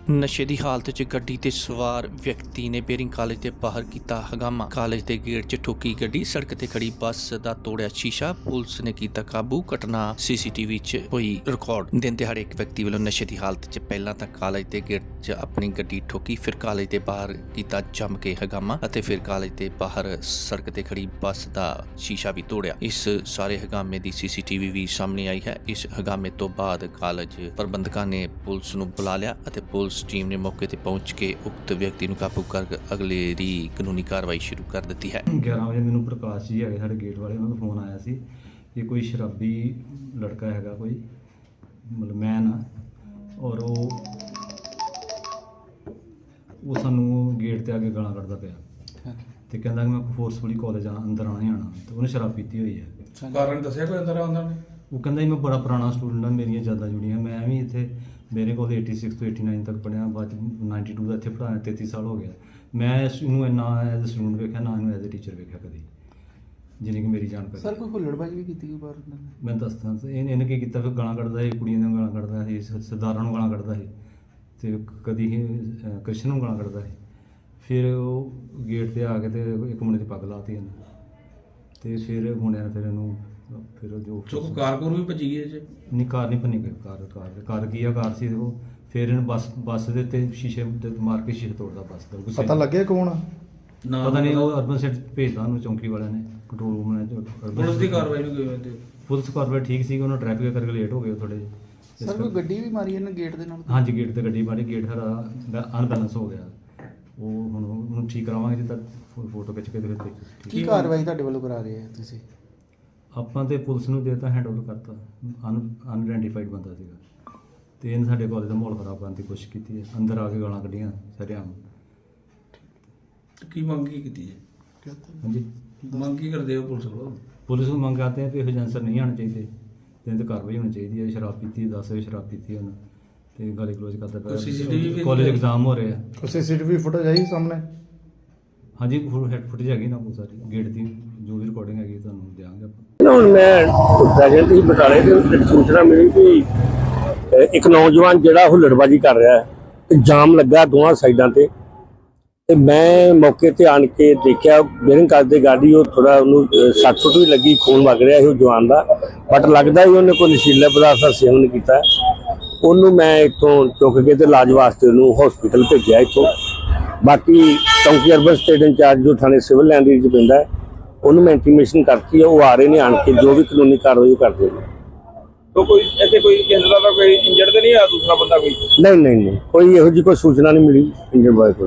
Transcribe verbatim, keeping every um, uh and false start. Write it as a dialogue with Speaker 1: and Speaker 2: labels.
Speaker 1: ਨਸ਼ੇ ਦੀ ਹਾਲਤ 'ਚ ਗੱਡੀ ਤੇ ਸਵਾਰ ਵਿਅਕਤੀ ਨੇ ਬੇਰਿੰਗ ਕਾਲਜ ਦੇ ਬਾਹਰ ਕੀਤਾ ਹੰਗਾਮਾ। ਕਾਲਜ ਦੇ ਗੇਟ 'ਚ ਠੋਕੀ ਗੱਡੀ, ਸੜਕ ਤੇ ਖੜੀ ਬੱਸ ਦਾ ਤੋੜਿਆ ਸ਼ੀਸ਼ਾ, ਪੁਲਿਸ ਨੇ ਕੀਤਾ ਕਾਬੂ। ਘਟਨਾ ਸੀਸੀਟੀਵੀ 'ਚ ਹੋਈ ਰਿਕਾਰਡ। ਦਿਨ ਦਿਹਾੜੇ ਇੱਕ ਵਿਅਕਤੀ ਵੱਲੋਂ ਨਸ਼ੇ ਦੀ ਹਾਲਤ 'ਚ ਪਹਿਲਾਂ ਤਾਂ ਕਾਲਜ ਦੇ ਗੇਟ 'ਚ ਆਪਣੀ ਗੱਡੀ ਠੋਕੀ, ਫਿਰ ਕਾਲਜ ਦੇ ਬਾਹਰ ਕੀਤਾ ਜੰਮ ਕੇ ਹੰਗਾਮਾ ਅਤੇ ਫਿਰ ਕਾਲਜ ਦੇ ਬਾਹਰ ਸੜਕ ਤੇ ਖੜੀ ਬੱਸ ਦਾ ਸ਼ੀਸ਼ਾ ਵੀ ਤੋੜਿਆ। ਇਸ ਸਾਰੇ ਹੰਗਾਮੇ ਦੀ ਸੀਸੀਟੀਵੀ ਵੀ ਸਾਹਮਣੇ ਆਈ ਹੈ। ਇਸ ਹੰਗਾਮੇ ਤੋਂ ਬਾਅਦ ਕਾਲਜ ਪ੍ਰਬੰਧਕਾਂ ਨੇ ਪੁਲਿਸ ਨੂੰ ਬੁਲਾ ਲਿਆ ਅਤੇ ਪੁਲਿਸ ਟੀਮ ਨੇ ਮੌਕੇ ਤੇ ਪਹੁੰਚ ਕੇ ਉਕਤ ਵਿਅਕਤੀ ਨੂੰ ਕਾਬੂ ਕਰ ਅਗਲੇ ਦੀ ਕਾਨੂੰਨੀ ਕਾਰਵਾਈ ਸ਼ੁਰੂ ਕਰ ਦਿੱਤੀ ਹੈ।
Speaker 2: ਗਿਆਰਾਂ ਵਜੇ ਮੈਨੂੰ ਪ੍ਰਕਾਸ਼ ਜੀ ਹੈਗੇ ਸਾਡੇ ਗੇਟ ਵਾਲੇ, ਉਹਨਾਂ ਦਾ ਫੋਨ ਆਇਆ ਸੀ ਕਿ ਕੋਈ ਸ਼ਰਾਬੀ ਲੜਕਾ ਹੈਗਾ, ਕੋਈ ਮਤਲਬ ਮੈਨ ਆ, ਔਰ ਉਹ ਉਹ ਸਾਨੂੰ ਗੇਟ ਤੇ ਆ ਕੇ ਗਾਲਾਂ ਕੱਢਦਾ ਪਿਆ ਤੇ ਕਹਿੰਦਾ ਕਿ ਮੈਂ ਫੋਰਸਫੁਲੀ ਕਾਲਜ ਆ ਅੰਦਰ ਆਉਣਾ ਹੀ ਆਉਣਾ, ਤੇ ਉਹਨੇ ਸ਼ਰਾਬ ਪੀਤੀ ਹੋਈ ਹੈ।
Speaker 3: ਕਾਰਨ ਦੱਸਿਆ ਕੋਈ ਅੰਦਰ ਆਉਂਦਾ ਨੇ?
Speaker 2: ਉਹ ਕਹਿੰਦਾ ਜੀ ਮੈਂ ਬੜਾ ਪੁਰਾਣਾ ਸਟੂਡੈਂਟ ਹਾਂ, ਮੇਰੀਆਂ ਜ਼ਿਆਦਾ ਜੁੜੀਆਂ, ਮੈਂ ਵੀ ਇੱਥੇ ਮੇਰੇ ਕੋਲ ਛਿਆਸੀ ਤੋਂ ਨਵਾਸੀ ਤੱਕ ਪੜ੍ਹਿਆ, ਬਾਅਦ ਬਾਨਵੇਂ ਦਾ ਇੱਥੇ ਪੜ੍ਹਾਇਆ, ਤੇਤੀ ਸਾਲ ਹੋ ਗਿਆ। ਮੈਂ ਇਸ ਨੂੰ ਨਾ ਐਜ਼ ਅ ਸਟੂਡੈਂਟ ਵੇਖਿਆ, ਨਾ ਇਹਨੂੰ ਐਜ਼ ਅ ਟੀਚਰ ਵੇਖਿਆ ਕਦੀ, ਜਿੰਨੀ ਕਿ ਮੇਰੀ ਜਾਣਕਾਰੀ।
Speaker 4: ਸਰ ਕੋਈ ਹੁੱਲੜਬਾਜ਼ੀ ਵੀ ਕੀਤੀ ਕੋਈ ਬਾਹਰ?
Speaker 2: ਮੈਂ ਦੱਸਦਾ, ਇਹਨੇ ਇਹਨੇ ਕੀ ਕੀਤਾ, ਫਿਰ ਗਾਲਾਂ ਕੱਢਦਾ ਸੀ, ਕੁੜੀਆਂ ਨੂੰ ਗਾਲਾਂ ਕੱਢਦਾ ਸੀ, ਸਰਦਾਰਾਂ ਨੂੰ ਗਾਲਾਂ ਕੱਢਦਾ ਸੀ, ਅਤੇ ਕਦੀ ਕ੍ਰਿਸ਼ਨ ਨੂੰ ਗਾਲਾਂ ਕੱਢਦਾ ਸੀ। ਫਿਰ ਉਹ ਗੇਟ 'ਤੇ ਆ ਕੇ ਤੇ ਇੱਕ ਮੁੰਡੇ ਦੀ ਪੱਗ ਲਾਤੀ ਇਹਨੇ, ਅਤੇ ਫਿਰ ਮੁੰਡਿਆਂ ਨੇ ਫਿਰ ਇਹਨੂੰ ਫਿਰ ਜੋ
Speaker 3: ਚੁੱਕ ਕਾਰਕੁਰ ਵੀ ਭੱਜੀ ਗਈ ਜੇ?
Speaker 2: ਨਹੀਂ, ਕਾਰ ਨਹੀਂ ਭੰਨੀ, ਕਾਰ ਕਾਰ ਕਾਰ ਕੀ ਆ, ਕਾਰ ਸੀ ਉਹ। ਫਿਰ ਇਹਨੂੰ ਬੱਸ ਬੱਸ ਦੇ ਉੱਤੇ ਸ਼ੀਸ਼ੇ ਤੇ ਮਾਰ ਕੇ ਸ਼ੀਸ਼ੇ ਤੋੜਦਾ ਬੱਸ ਦਾ।
Speaker 4: ਪਤਾ ਲੱਗਿਆ ਕੌਣ ਆ?
Speaker 2: ਪਤਾ ਨਹੀਂ, ਉਹ ਅਰਬਨ ਸੈਟ ਭੇਜਦਾ ਉਹਨੂੰ ਚੌਂਕੀ ਵਾਲਿਆਂ ਨੇ, ਕੰਟਰੋਲ ਰੂਮ ਨੇ।
Speaker 3: ਪੁਲਿਸ ਦੀ ਕਾਰਵਾਈ ਨੂੰ ਕਿਵੇਂ ਦੇ?
Speaker 2: ਪੁਲਿਸ ਕਾਰਵਾਈ ਠੀਕ ਸੀ, ਉਹਨਾਂ ਟ੍ਰੈਫਿਕ ਕਰਕੇ ਲੇਟ ਹੋ ਗਏ ਥੋੜੇ ਜਿਹੇ।
Speaker 4: ਸਰ ਕੋਈ ਗੱਡੀ ਵੀ ਮਾਰੀ ਇਹਨੇ ਗੇਟ ਦੇ ਨਾਲ?
Speaker 2: ਹਾਂਜੀ, ਗੇਟ ਤੇ ਗੱਡੀ ਮਾਰੀ, ਗੇਟ ਹਰਾ ਅਨਬੈਲੈਂਸ ਹੋ ਗਿਆ। ਉਹ ਹੁਣ ਉਹਨੂੰ ਠੀਕ ਕਰਾਵਾਂਗੇ ਜਿੱਦਾਂ ਫੋਟੋ ਖਿੱਚ ਕੇ। ਫਿਰ
Speaker 4: ਕੀ ਕਾਰਵਾਈ ਤੁਹਾਡੇ ਵੱਲੋਂ ਕਰਾ ਰਹੇ ਆ ਤੁਸੀਂ?
Speaker 2: ਆਪਾਂ ਤੇ ਪੁਲਿਸ ਨੂੰ ਦੇਤਾ, ਹੈਂਡ ਓਵਰ ਕਰਤਾ। ਅਨ ਅਨਆਇਡੈਂਟੀਫਾਈਡ ਬੰਦਾ ਸੀਗਾ, ਤੇ ਇਹਨੇ ਸਾਡੇ ਕਾਲਜ ਦਾ ਮਾਹੌਲ ਖਰਾਬ ਕਰਨ ਦੀ ਕੋਸ਼ਿਸ਼ ਕੀਤੀ ਹੈ, ਅੰਦਰ ਆ ਕੇ ਗਾਲਾਂ ਕੱਢੀਆਂ ਸਰੇਆਮ।
Speaker 3: ਕੀ ਮੰਗ ਕੀ ਕੀਤੀ ਹੈ?
Speaker 2: ਹਾਂਜੀ,
Speaker 3: ਮੰਗ ਕੀ ਕਰਦੇ ਹੋ ਪੁਲਿਸ ਕੋਲੋਂ?
Speaker 2: ਪੁਲਿਸ ਨੂੰ ਮੰਗ ਕਰਦੇ ਆ ਕਿ ਇਹੋ ਜਿਹੇ ਅਨਸਰ ਨਹੀਂ ਆਉਣੇ ਚਾਹੀਦੇ, ਤੇ ਇਹਨਾਂ 'ਤੇ ਕਾਰਵਾਈ ਹੋਣੀ ਚਾਹੀਦੀ ਹੈ। ਸ਼ਰਾਬ ਪੀਤੀ, ਦਸ ਵਜੇ ਸ਼ਰਾਬ ਪੀਤੀ ਉਹਨਾਂ, ਤੇ ਗਾਲੀ ਕਲੋਜ਼ ਕਰਦਾ
Speaker 3: ਕੋਈ C C T V
Speaker 2: ਪਿਆ। ਕਾਲਜ ਐਗਜ਼ਾਮ ਹੋ ਰਹੇ ਆ।
Speaker 4: ਕੋਈ ਸੀਸੀਟੀਵੀ ਫੁਟੇਜ ਆਈ ਸਾਹਮਣੇ?
Speaker 2: ਹਾਂਜੀ, ਹੈਡ ਫੁਟੇਜ ਹੈਗੀ ਨਾ, ਬਹੁਤ ਸਾਰੀ ਗੇਟ ਦੀ ਜੋ ਵੀ ਰਿਕਾਰਡਿੰਗ ਹੈਗੀ ਤੁਹਾਨੂੰ ਦਿਆਂਗੇ ਆਪਾਂ।
Speaker 5: ਹੁਣ ਮੈਂ ਪ੍ਰੈਜ਼ੈਂਟ ਹੀ ਬਟਾਲੇ ਦੇ ਵਿੱਚ ਸੂਚਨਾ ਮਿਲੀ ਕਿ ਇੱਕ ਨੌਜਵਾਨ ਜਿਹੜਾ ਹੁੱਲੜਬਾਜ਼ੀ ਕਰ ਰਿਹਾ ਹੈ, ਤੇ ਜਾਮ ਲੱਗਾ ਦੋਵਾਂ ਸਾਈਡਾਂ ਤੇ ਤੇ ਮੈਂ ਮੌਕੇ ਤੇ ਆਣ ਕੇ ਦੇਖਿਆ, ਬੇਰਿੰਗ ਕਾਲਜ ਦੀ ਗਾੜੀ, ਉਹ ਥੋੜਾ ਉਹਨੂੰ ਸੱਟ ਸੁੱਟ ਵੀ ਲੱਗੀ, ਖੂਨ ਵਗ ਰਿਹਾ ਸੀ ਉਹ ਜਵਾਨ ਦਾ, ਬਟ ਲੱਗਦਾ ਹੀ ਉਹਨੇ ਕੋਈ ਨਸ਼ੀਲੇ ਪਦਾਰਥ ਦਾ ਸੇਵਨ ਕੀਤਾ। ਉਹਨੂੰ ਮੈਂ ਇੱਥੋਂ ਚੁੱਕ ਕੇ ਤੇ ਇਲਾਜ ਵਾਸਤੇ ਉਹਨੂੰ ਹਸਪੀਟਲ ਭੇਜਿਆ ਇੱਥੋਂ। ਬਾਕੀ ਚੌਂਕੀ ਅਰਬਨ ਸਟੇਟ ਇੰਚਾਰਜ ਜੋ ਥਾਣੇ ਸਿਵਲ ਲਾਈਨ ਦੇ ਵਿੱਚ ਪੈਂਦਾ ਹੈ, ਉਹਨੂੰ ਮੈਂ ਇੰਟੀਮੇਸ਼ਨ ਕਰਤੀ ਹੈ, ਉਹ ਆ ਰਹੇ ਨੇ, ਆਣ ਕੇ ਜੋ ਵੀ ਕਾਨੂੰਨੀ ਕਾਰਵਾਈ ਉਹ ਕਰਦੇ ਨੇ।
Speaker 3: ਤਾਂ ਕੋਈ ਇੱਥੇ ਕੋਈ ਕਿਸੇ ਦਾ ਕੋਈ ਇੰਜਰਡ ਤਾਂ ਨਹੀਂ ਆ ਦੂਸਰਾ ਬੰਦਾ ਕੋਈ?
Speaker 5: ਨਹੀਂ ਨਹੀਂ ਨਹੀਂ, ਕੋਈ ਇਹੋ ਜਿਹੀ ਕੋਈ ਸੂਚਨਾ ਨਹੀਂ ਮਿਲੀ ਇੰਜਰਡ ਬਾਰੇ ਕੋਈ।